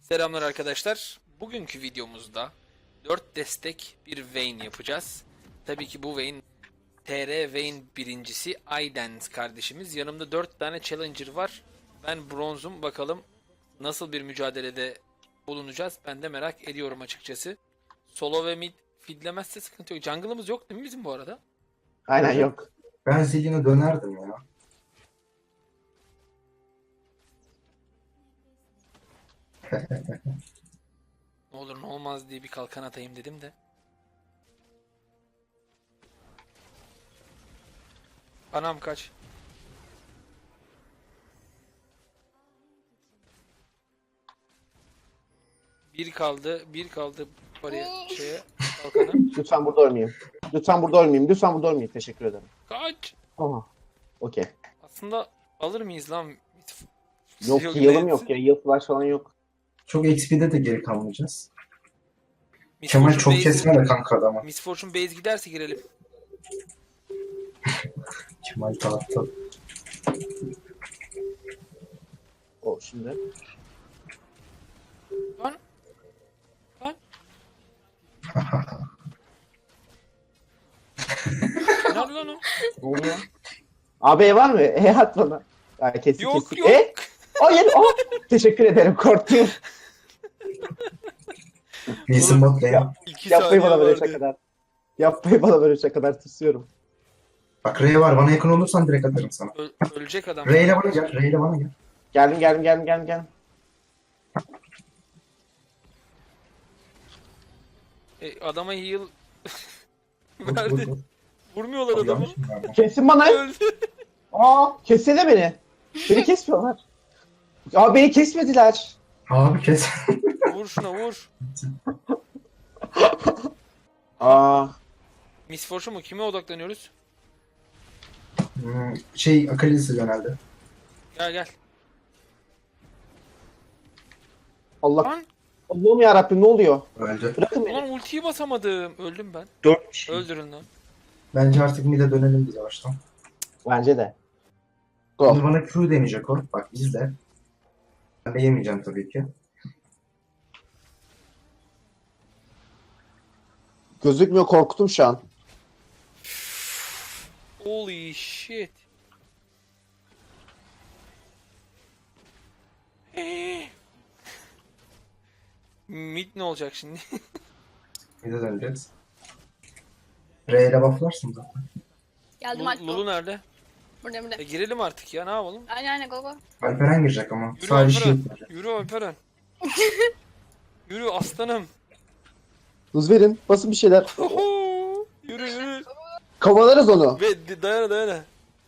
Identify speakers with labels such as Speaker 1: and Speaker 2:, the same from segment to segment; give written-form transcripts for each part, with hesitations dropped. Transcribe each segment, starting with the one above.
Speaker 1: Selamlar arkadaşlar. Bugünkü videomuzda 4 destek bir Vayne yapacağız. Tabii ki bu Vayne TR Vayne birincisi iDance kardeşimiz. Yanımda 4 tane Challenger var. Ben bronzum. Bakalım nasıl bir mücadelede bulunacağız. Ben de merak ediyorum açıkçası. Solo ve mid feedlemezse sıkıntı yok. Jungle'ımız yok değil mi bizim bu arada?
Speaker 2: Aynen yok.
Speaker 3: Ben Zillion'a dönerdim ya.
Speaker 1: Ne olur ne olmaz diye bir kalkan atayım dedim de. Anam kaç. Bir kaldı oraya şeye kalkana.
Speaker 2: Lütfen burada ölmeyeyim. Lütfen burada ölmeyeyim. Lütfen burada ölmeyeyim. Teşekkür ederim.
Speaker 1: Kaç.
Speaker 2: Aha. Okey.
Speaker 1: Aslında alır mıyız lan?
Speaker 2: Yok heal'ım yok ya. Heal flash falan yok.
Speaker 3: Çok XP'de de geri kalmayacağız. Kemal çok kesme de kanka adama.
Speaker 1: Miss Fortune base giderse girelim.
Speaker 3: Kemal dağıttı.
Speaker 2: O şimdi.
Speaker 1: Lan. Lan. Nerede lan o?
Speaker 2: Ne oluyor? AB var mı? At bana. Ya, kesik
Speaker 1: Yok
Speaker 2: kesik.
Speaker 1: yok.
Speaker 2: Hayır. Teşekkür ederim. Korktum.
Speaker 3: Wilson bot lane.
Speaker 1: 2
Speaker 2: Yapmayın
Speaker 1: saniye
Speaker 2: bana böyle
Speaker 1: vardı.
Speaker 2: şakalar. Yapmayın bana böyle şakalar. Tırsıyorum.
Speaker 3: Bak R'ye var. Bana yakın olursan direkt atarım sana.
Speaker 1: Ölecek adam.
Speaker 3: R ile bana gel. R ile bana gel.
Speaker 2: Geldim.
Speaker 1: Adama heal
Speaker 3: Vur,
Speaker 1: verdi.
Speaker 3: vur, vur.
Speaker 1: Vurmuyorlar
Speaker 3: Abi,
Speaker 1: adamı.
Speaker 3: yanlış mı verdim?
Speaker 2: Kesin bana.
Speaker 1: Öldü.
Speaker 2: Kessene beni. Beni kesmiyorlar. Ya beni kesmediler.
Speaker 3: Abi kes.
Speaker 1: Vur şuna vur.
Speaker 2: Aa.
Speaker 1: Miss Fortune mu? Kime odaklanıyoruz?
Speaker 3: Akali'si genelde.
Speaker 1: Gel.
Speaker 2: Allah.
Speaker 1: Lan.
Speaker 2: Allah'ım yarabbim ne oluyor?
Speaker 3: Öldü.
Speaker 2: Bırakın beni.
Speaker 1: Ulan ultiyi basamadım. Öldüm ben.
Speaker 2: 4 kişi.
Speaker 1: Öldürün lan.
Speaker 3: Bence artık mid'e dönelim biz yavaştan.
Speaker 2: Bence de.
Speaker 3: Şimdi
Speaker 2: Go.
Speaker 3: bana Q deneyecek o. Bak izle. Ben de yemeyeceğim tabii ki.
Speaker 2: Gözükmüyor, korktum şu an.
Speaker 1: Holy shit. Mid ne olacak şimdi?
Speaker 3: Mid'e döneceğiz. R ile bufflarsın zaten.
Speaker 4: Geldim artık.
Speaker 1: Lulu nerede?
Speaker 4: Burada.
Speaker 1: Girelim artık ya, ne yapalım?
Speaker 4: Aynen go go.
Speaker 3: Alperen girecek ama.
Speaker 1: Yürü
Speaker 3: Sadece
Speaker 1: Alperen.
Speaker 3: shield verecek.
Speaker 1: Yürü Alperen. Yürü aslanım.
Speaker 2: Hız verin. Basın bir şeyler.
Speaker 1: Yürü.
Speaker 2: Kovalarız onu.
Speaker 1: Ve dayana.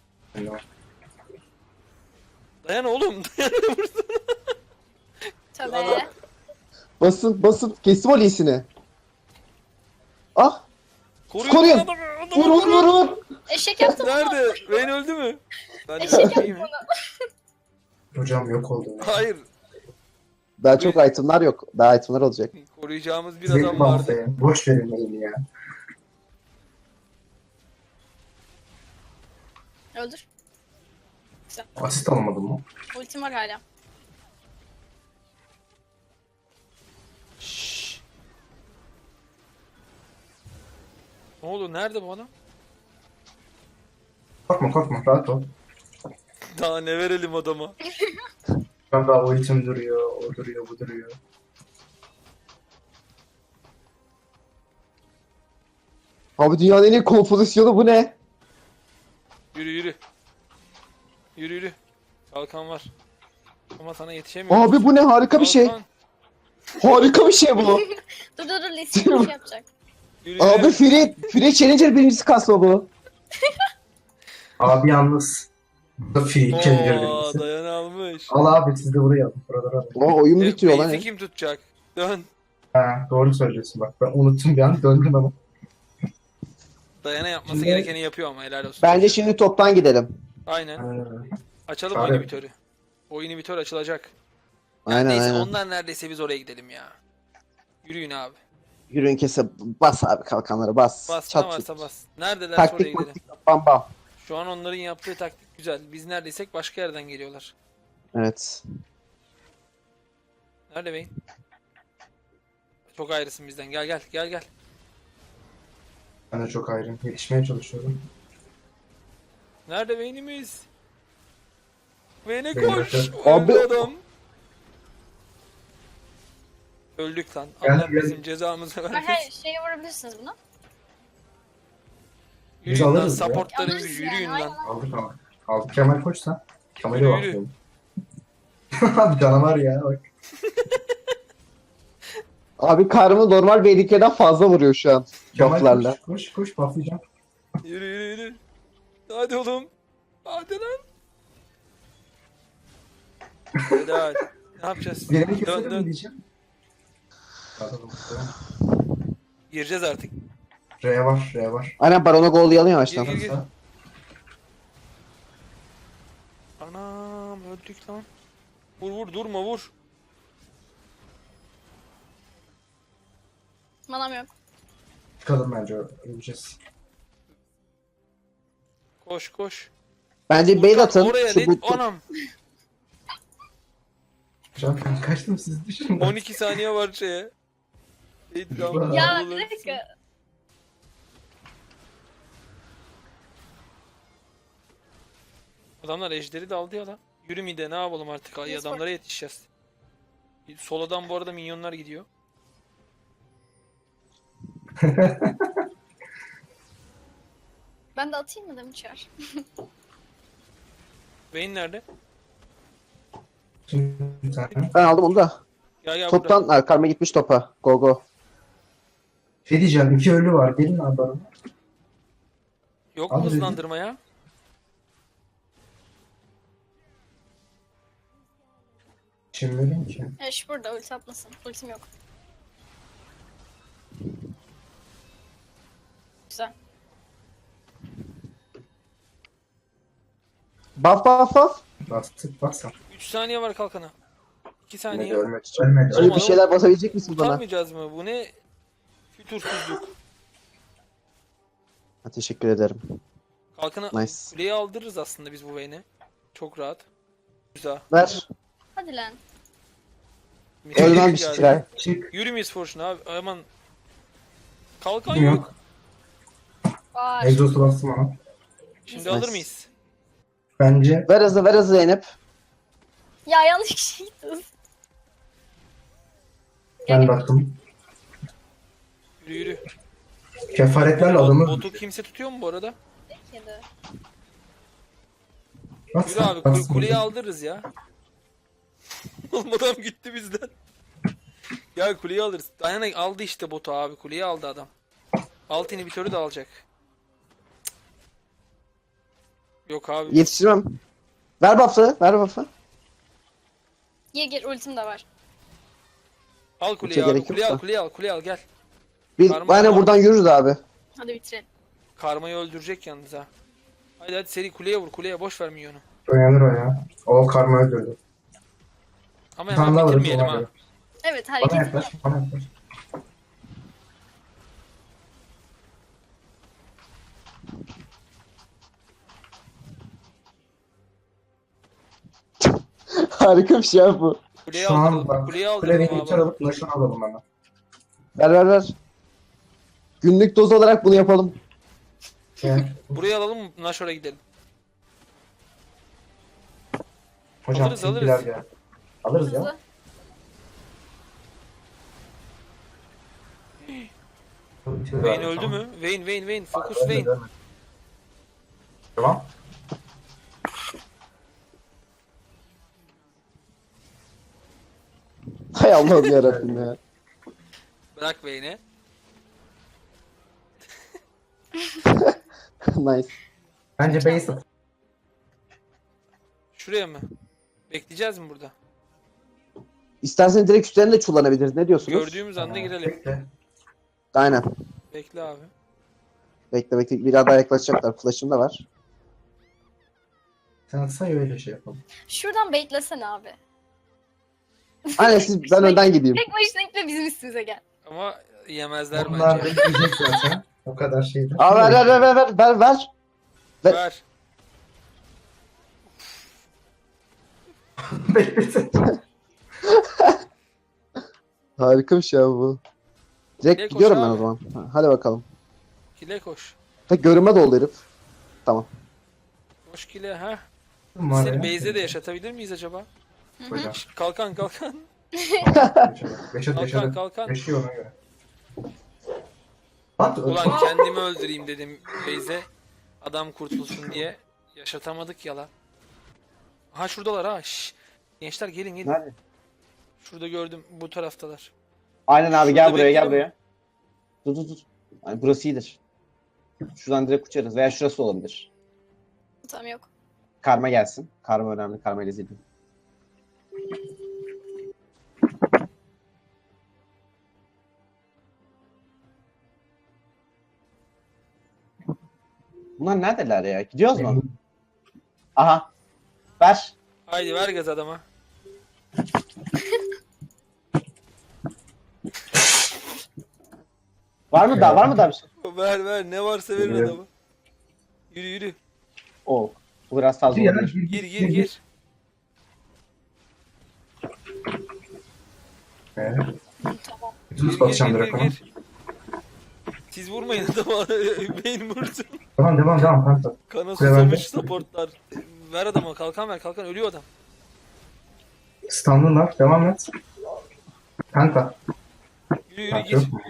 Speaker 1: Dayana oğlum. Dayana vursun.
Speaker 4: Tabii.
Speaker 2: Basın. Kestim o iyisini. Ah. Koruyun.
Speaker 1: adamı.
Speaker 2: Vur.
Speaker 4: Eşek yaptım bunu.
Speaker 1: Nerede? Vayne öldü mü? Ben de
Speaker 4: Eşek
Speaker 1: bakayım.
Speaker 4: yaptım bunu.
Speaker 3: Hocam yok oldu.
Speaker 1: Hayır.
Speaker 2: Daha çok itemlar yok. Daha itemlar olacak.
Speaker 1: Koruyacağımız bir
Speaker 3: Zil
Speaker 1: adam vardı.
Speaker 3: bufflayın. Boş verin elini ya.
Speaker 4: Öldür.
Speaker 3: Asist alamadım mı?
Speaker 4: Ultim var hala.
Speaker 1: Şşş. Ne oldu? Nerede bu adam?
Speaker 3: Korkma rahat ol.
Speaker 1: Daha ne verelim adama?
Speaker 3: Ben daha ultim duruyor, o duruyor, bu duruyor.
Speaker 2: Abi dünyanın en iyi kompozisyonu bu ne?
Speaker 1: Yürü. Kalkan var. Ama sana yetişemiyorum.
Speaker 2: Abi bu ne? Harika bir şey.
Speaker 1: Kalkan.
Speaker 2: Harika bir şey bu.
Speaker 4: Dur Lissi bir şey yapacak.
Speaker 1: Yürü.
Speaker 2: Abi Free Challenger birincisi kasma bu.
Speaker 3: Abi yalnız. Bu da free challenger
Speaker 1: Oo,
Speaker 3: birisi.
Speaker 1: dayan almış.
Speaker 3: Al abi siz de buraya alın. Buralara alın.
Speaker 2: O oyun bitiyor lan.
Speaker 1: Base'i kim tutacak? Dön.
Speaker 3: Ha, doğru söylüyorsun bak. Ben unuttum bir an döndüm ama.
Speaker 1: Dayana yapması
Speaker 3: Şimdi-
Speaker 1: gerekeni yapıyor ama helal olsun.
Speaker 2: Bence şimdi toptan gidelim.
Speaker 1: Aynen. Açalım
Speaker 3: Çare.
Speaker 1: o inhibitörü. O inhibitör açılacak.
Speaker 2: Aynen
Speaker 1: Neyse
Speaker 2: aynen.
Speaker 1: ondan neredeyse biz oraya gidelim ya. Yürüyün abi.
Speaker 2: Yürüyün kese bas abi kalkanları bas.
Speaker 1: Bas ne
Speaker 2: Çat
Speaker 1: varsa
Speaker 2: çut.
Speaker 1: bas. Neredelerse oraya
Speaker 2: Taktik
Speaker 1: gidelim.
Speaker 2: taktik bam bam.
Speaker 1: Şu an onların yaptığı taktik güzel. Biz neredeysek başka yerden geliyorlar.
Speaker 2: Evet.
Speaker 1: Nerede Vayne? Çok ayrısın bizden. Gel gel gel gel.
Speaker 3: Ben de çok ayrıyım. Yetişmeye çalışıyorum.
Speaker 1: Nerede Vayne'imiz? Vayne'e
Speaker 3: Vayne
Speaker 1: koş.
Speaker 3: öldü.
Speaker 1: Öldü
Speaker 2: Abi-
Speaker 1: adam. Öldük lan.
Speaker 3: Gel,
Speaker 1: Allah
Speaker 3: gel.
Speaker 1: bizim cezamızı
Speaker 4: Her
Speaker 1: vermesin.
Speaker 4: şeye vurabilirsiniz bunu.
Speaker 3: Biz
Speaker 1: Yürüyün lan
Speaker 3: alırız ya.
Speaker 1: supportların
Speaker 4: Alırız
Speaker 1: gücü
Speaker 4: yani,
Speaker 1: yürüyün
Speaker 4: aynen.
Speaker 1: lan.
Speaker 3: Aldık ama. Aldık Kemal koşsa. Kemal'e
Speaker 1: Yürü, yürü.
Speaker 3: bakıyorum. Bir canavar ya bak.
Speaker 2: Abi karımı normal BDK'den fazla vuruyor şu an.
Speaker 3: Kemal
Speaker 2: Bufflarla.
Speaker 3: koş patlayacağım.
Speaker 1: Yürü yürü yürü. Hadi oğlum. Hadi lan. Helal. Ne yapacağız?
Speaker 3: Birini
Speaker 1: Dön
Speaker 3: keselim mi
Speaker 1: dön.
Speaker 3: diyeceğim. Atalım.
Speaker 1: Gireceğiz artık.
Speaker 3: R var, R var.
Speaker 2: Aynen Baron'a gol yalıyor yavaştan.
Speaker 1: Gir, gir.
Speaker 3: Sağ.
Speaker 1: Anam öldük lan. Vur vur durma vur.
Speaker 4: Manam yok.
Speaker 3: Çıkalım bence öleceğiz.
Speaker 1: Koş koş.
Speaker 2: Bence bait
Speaker 1: Furkan,
Speaker 2: atın.
Speaker 1: oraya
Speaker 2: Şu
Speaker 1: ne?
Speaker 2: bu-
Speaker 1: Anam.
Speaker 3: Can ben kaçtım siz düşünün.
Speaker 1: 12 saniye var şeye. İddiam.
Speaker 4: Ya bir dakika.
Speaker 1: Adamlar ejderi de aldı ya lan. Yürü mide ne yapalım artık ay
Speaker 4: Yes,
Speaker 1: adamlara yetişeceğiz. Soladan bu arada minyonlar gidiyor.
Speaker 4: Ben de atayım mı demiş çağır.
Speaker 1: Vayne nerede?
Speaker 3: Şimdi bir tane.
Speaker 2: Ben aldım onu da.
Speaker 1: Ya ya burada.
Speaker 2: Toptan ha, karma gitmiş topa. Go go.
Speaker 3: Şey diyeceğim, 2 ölü var. Gelin abi bana.
Speaker 1: Yok mu
Speaker 3: Abi,
Speaker 1: hızlandırma ya?
Speaker 3: Şimdi ölüm ki.
Speaker 4: Eş burada ulti atmasın. Ultim yok. Güzel.
Speaker 2: Buff buff buff.
Speaker 3: Bastık baksana.
Speaker 1: 3 saniye var kalkana. 2 saniye.
Speaker 3: Ölmedi. Ölmedi.
Speaker 2: Şöyle bir şeyler basabilecek misin bana?
Speaker 1: Kurtarmayacağız mı? Bu ne? Fütursuzluk.
Speaker 2: Ha, teşekkür ederim.
Speaker 1: Kalkana
Speaker 2: Nice.
Speaker 1: kuleyi aldırırız aslında biz bu Vayne'e. Çok rahat. Güzel.
Speaker 2: Ver.
Speaker 4: Hadi lan.
Speaker 2: Ölmem bir
Speaker 1: Geldi.
Speaker 2: şey.
Speaker 3: Çık.
Speaker 1: Yürü Miss Fortune abi. Aman. Kalkan
Speaker 3: Kim
Speaker 1: yok.
Speaker 3: yok?
Speaker 4: Var.
Speaker 3: Exhaust'u bastım ona.
Speaker 1: Şimdi
Speaker 2: Nice.
Speaker 1: alır mıyız?
Speaker 3: Bence
Speaker 2: Ver hızlı Zeynep.
Speaker 4: Ya yanlış kişiye gittiniz.
Speaker 3: ben baktım.
Speaker 1: Yürü yürü.
Speaker 3: Kefaretlerle adamı
Speaker 1: Botu kimse tutuyor mu bu arada?
Speaker 4: Yedi.
Speaker 1: Yürü abi kuleyi aldırırız ya. Oğlum adam gitti bizden. Ya kuleyi alırız. Dayana aldı işte botu abi. Kuleyi aldı adam. Alt inhibitörü de alacak. Cık. Yok abi.
Speaker 2: Yetiştirmem. Ver buff'ı. Ver buff'ı.
Speaker 4: Gir ultim de var.
Speaker 1: Al kuleyi
Speaker 2: Hiçe
Speaker 1: abi.
Speaker 2: gerek yok
Speaker 1: Kuleyi al
Speaker 2: da.
Speaker 1: kuleyi al kuleyi al gel.
Speaker 2: Bir,
Speaker 1: Karma
Speaker 2: aynen
Speaker 1: var.
Speaker 2: buradan yürürüz abi.
Speaker 4: Hadi bitirelim.
Speaker 1: Karmayı öldürecek yalnız ha. Hadi hadi seri kuleye vur kuleye boş ver minyonu.
Speaker 3: Uyanır o ya. O karma öldürdü.
Speaker 1: Ama
Speaker 3: Bir tane
Speaker 1: hemen
Speaker 3: daha alırız
Speaker 1: bitirmeyelim
Speaker 3: ona
Speaker 1: ha.
Speaker 3: göre.
Speaker 4: Evet
Speaker 3: Bana
Speaker 4: hareket.
Speaker 3: yaklaş. Bana yaklaş.
Speaker 2: Harika bir şey abi bu.
Speaker 1: Kuleyi
Speaker 3: Şu an
Speaker 1: aldıralım.
Speaker 3: bak.
Speaker 1: Kuleyi
Speaker 3: Kuleyi
Speaker 1: aldıralım
Speaker 3: bir
Speaker 1: abi.
Speaker 3: alıp flash'ını alalım hemen.
Speaker 2: Ver. Günlük doz olarak bunu yapalım.
Speaker 3: Gel.
Speaker 1: Burayı alalım Nashor'a gidelim.
Speaker 3: Hocam
Speaker 1: Alırız, alırız.
Speaker 3: tilkiler gel. Alırız ya.
Speaker 4: Hızlı.
Speaker 1: Vayne öldü mü? Vayne. Fokus Vayne.
Speaker 3: Tamam.
Speaker 2: Hay Allah'ım yarabbim ya.
Speaker 1: Bırak Vayne'e.
Speaker 2: Nice.
Speaker 3: Bence base at.
Speaker 1: Şuraya mı? Bekleyeceğiz mi burada?
Speaker 2: İstersen direkt üstlerine de çullanabiliriz. Ne diyorsunuz?
Speaker 1: Gördüğümüz anda girelim.
Speaker 3: Bekle.
Speaker 2: Aynen.
Speaker 1: Bekle abi.
Speaker 2: Bekle. Biraz daha yaklaşacaklar. Flash'ım da var.
Speaker 3: Sen say öyle şey yapalım.
Speaker 4: Şuradan baitlesene abi.
Speaker 2: Aynen siz ben önden gideyim.
Speaker 4: Tek başına gitme bizim üstümüze gel.
Speaker 1: Ama yemezler
Speaker 3: Onlar
Speaker 1: bence.
Speaker 3: bekleyecek zaten. O kadar şeydi.
Speaker 2: Aa ver.
Speaker 1: Ver.
Speaker 3: Beklesin.
Speaker 2: Harikamış ya bu. Direkt
Speaker 1: Direkt
Speaker 2: gidiyorum
Speaker 1: koş
Speaker 2: ben
Speaker 1: abi.
Speaker 2: o zaman. Hadi bakalım.
Speaker 1: Kile koş.
Speaker 2: Tek görünme doldu herif. Tamam.
Speaker 1: Koş kile ha.
Speaker 3: Var
Speaker 1: Seni
Speaker 3: ya.
Speaker 1: base'de de yaşatabilir miyiz acaba?
Speaker 3: Hocam.
Speaker 1: Şşt, kalkan kalkan.
Speaker 3: Yaşadı
Speaker 1: Kalkan
Speaker 3: yaşadı.
Speaker 1: kalkan.
Speaker 3: Yaşıyor ona göre. At
Speaker 1: Ulan kendimi öldüreyim dedim base'e. Adam kurtulsun diye. Yaşatamadık ya lan. Ha şuradalar ha. Şşş. Gençler gelin gelin.
Speaker 2: Nerede?
Speaker 1: Şurada gördüm bu taraftalar.
Speaker 2: Aynen abi
Speaker 1: Şurada
Speaker 2: gel buraya gel
Speaker 1: bekleyelim
Speaker 2: buraya. Dur. Yani burası iyidir. Şuradan direkt uçarız veya şurası olabilir.
Speaker 4: Tamam yok.
Speaker 2: Karma gelsin. Karma önemli. Karma ile izledim. Bunlar neredeler ya? Gidiyoruz mu? Aha. Ver.
Speaker 1: Haydi ver gaz adama.
Speaker 2: Var mı daha? Var mı daha bir şey?
Speaker 1: Ver ne varsa verin
Speaker 3: Yürü.
Speaker 1: adama. Yürü.
Speaker 2: Oo. Bu biraz fazla
Speaker 3: Ya,
Speaker 2: olabilir.
Speaker 1: Gir.
Speaker 4: Tamam.
Speaker 3: Düz basacağım direkt ona.
Speaker 1: Siz vurmayın adama. Beyin vursun.
Speaker 3: Devam kanka.
Speaker 1: Kana
Speaker 3: Kule bende.
Speaker 1: susamış supportlar. Ver adama kalkan ver kalkan ölüyor adam.
Speaker 3: Standın var. Devam et. Kanka.
Speaker 1: Yürü
Speaker 3: Kanka
Speaker 1: gir.
Speaker 3: yok mu?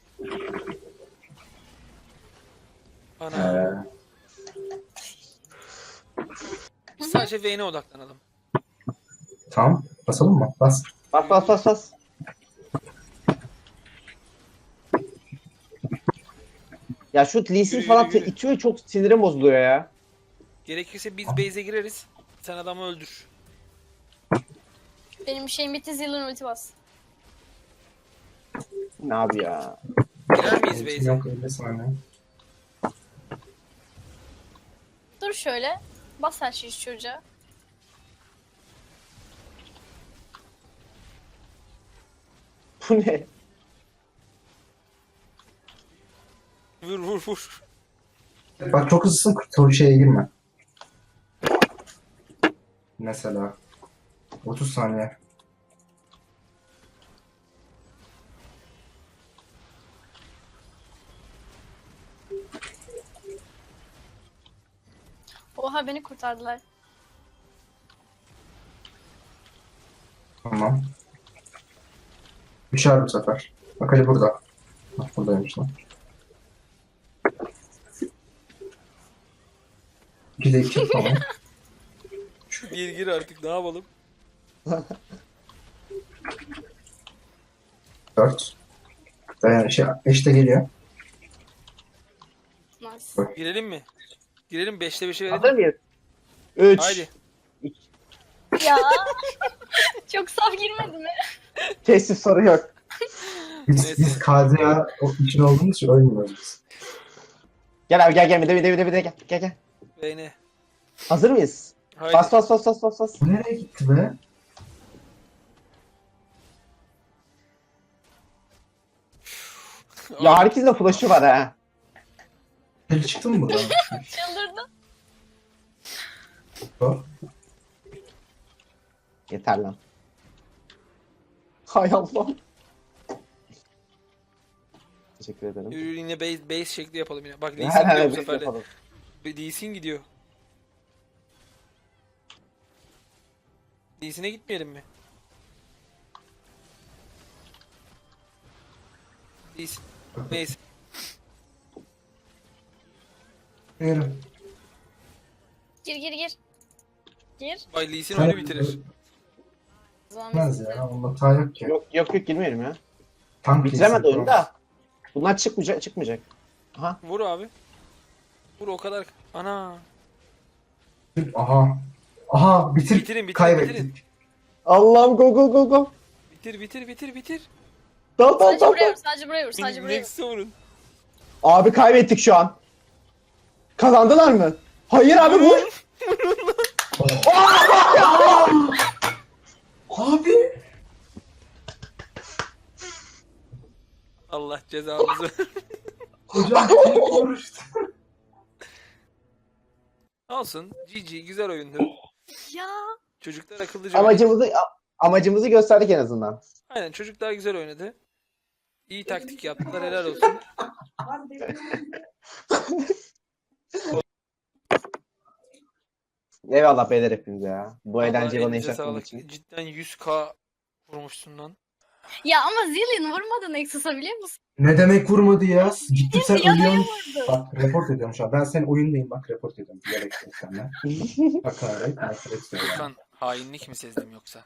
Speaker 1: Ana. Sadece Vayne'e odaklanalım.
Speaker 3: Tamam. Basalım mı? Bas.
Speaker 2: Bas. Ya şu Lee Sin
Speaker 1: Yürü,
Speaker 2: falan
Speaker 1: yürü.
Speaker 2: itiyor, çok sinirim bozuluyor ya.
Speaker 1: Gerekirse biz base'e gireriz. Sen adamı öldür.
Speaker 4: Benim şeyim bitti, zilin ulti bas.
Speaker 2: Ne abi ya?
Speaker 1: Girer miyiz base'e?
Speaker 3: Yok 50 saniye.
Speaker 4: Dur şöyle. Bas her şeyi şu çocuğa.
Speaker 2: Bu ne?
Speaker 1: Vur.
Speaker 3: Bak çok hızlısın. Soru şeye girme. Mesela. 30 saniye.
Speaker 4: Oha beni kurtardılar.
Speaker 3: Tamam. Düşer bu sefer. Bak hadi burada. Bak buradaymış lan. 2'de 2 tamam.
Speaker 1: Gir artık ne yapalım?
Speaker 3: 4. Dayan eşte geliyor.
Speaker 4: Nice.
Speaker 1: Girelim mi? Girelim 5'te 5'e
Speaker 2: Hazır
Speaker 1: verelim.
Speaker 2: mıyız? 3.
Speaker 1: Haydi.
Speaker 4: Ya. Çok saf girmedi mi?
Speaker 2: Tesis soru yok.
Speaker 1: Neyse.
Speaker 3: Biz KZA için olduğumuz için ölmüyoruz biz.
Speaker 2: Gel abi gel bir de gel.
Speaker 1: Vayne'e.
Speaker 2: Hazır mıyız?
Speaker 1: Haydi.
Speaker 2: Bas.
Speaker 3: Bu nereye gitti be?
Speaker 2: Ya herkesin de flash'ı var ha.
Speaker 3: Deli çıktı mı buradan?
Speaker 4: Çıldırdım.
Speaker 3: Sor.
Speaker 2: Yeter lan. Hay Allah. Teşekkür ederim.
Speaker 1: Yürü yine base şekli yapalım yine. Bak Lee Sin
Speaker 2: Her
Speaker 1: gidiyor bu
Speaker 2: bir
Speaker 1: sefer de.
Speaker 2: yapalım.
Speaker 1: Lee Sin gidiyor. Lee Sin'e gitmeyelim mi? Lee Sin. Neyse.
Speaker 3: Yürü.
Speaker 4: Gir. Gir.
Speaker 1: Vay Lee Sin oyunu bitirir.
Speaker 4: Zaman
Speaker 3: Bilmez
Speaker 4: bitti.
Speaker 3: ya. Onda hata yok ki.
Speaker 2: Yok girmeyelim ya.
Speaker 3: Tank
Speaker 2: Bitiremedi
Speaker 3: değilsin,
Speaker 2: oyunu da. Bunlar çıkmayacak. Aha.
Speaker 1: Vur abi. Vur o kadar. Ana.
Speaker 3: tamam. Aha bitir.
Speaker 1: Bitirin.
Speaker 3: Kaybettik.
Speaker 2: Allah'ım go.
Speaker 1: Bitir.
Speaker 2: Dal.
Speaker 4: Sadece buraya vur.
Speaker 1: Nexus'a vurun.
Speaker 2: Abi kaybettik şu an. Kazandılar mı? Hayır abi vur.
Speaker 3: Abi.
Speaker 1: Allah cezamızı.
Speaker 3: Hocam tek vuruştu.
Speaker 1: Olsun. GG güzel oyundu.
Speaker 4: Ya.
Speaker 1: Çocuklar akıllıca oynadı.
Speaker 2: Amacımızı gösterdik en azından.
Speaker 1: Aynen, çocuklar güzel oynadı. İyi taktik yaptılar, helal olsun.
Speaker 2: Eyvallah beyler hepinize ya. Bu
Speaker 1: Vallahi
Speaker 2: eğlenceyi bana
Speaker 1: elinize
Speaker 2: yaşattığınız
Speaker 1: sağlık.
Speaker 2: için.
Speaker 1: Cidden 100k vurmuşsun lan.
Speaker 4: Ya ama Zillion vurmadı Nexus'a biliyor musun?
Speaker 3: Ne demek vurmadı ya? Gittim sen
Speaker 4: Yanaya
Speaker 3: ölüyorsun.
Speaker 4: vurdu.
Speaker 3: Bak report ediyorum şu an. Ben senin oyundayım bak report ediyorum. Bilerek senden. Hakaret, nefret söyleme.
Speaker 1: Furkan, hainlik mi sezdim yoksa?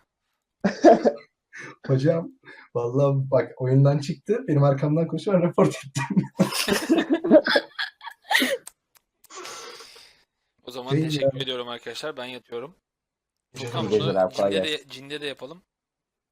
Speaker 3: Hocam vallahi bak oyundan çıktı. Benim arkamdan koşuyor report ettim.
Speaker 1: O zaman
Speaker 3: Değil
Speaker 1: teşekkür
Speaker 3: ya.
Speaker 1: ediyorum arkadaşlar. Ben yatıyorum.
Speaker 3: Rica
Speaker 1: Furkan
Speaker 2: ederim.
Speaker 1: bunu
Speaker 2: Geceler, kolay
Speaker 1: cinde de yapalım.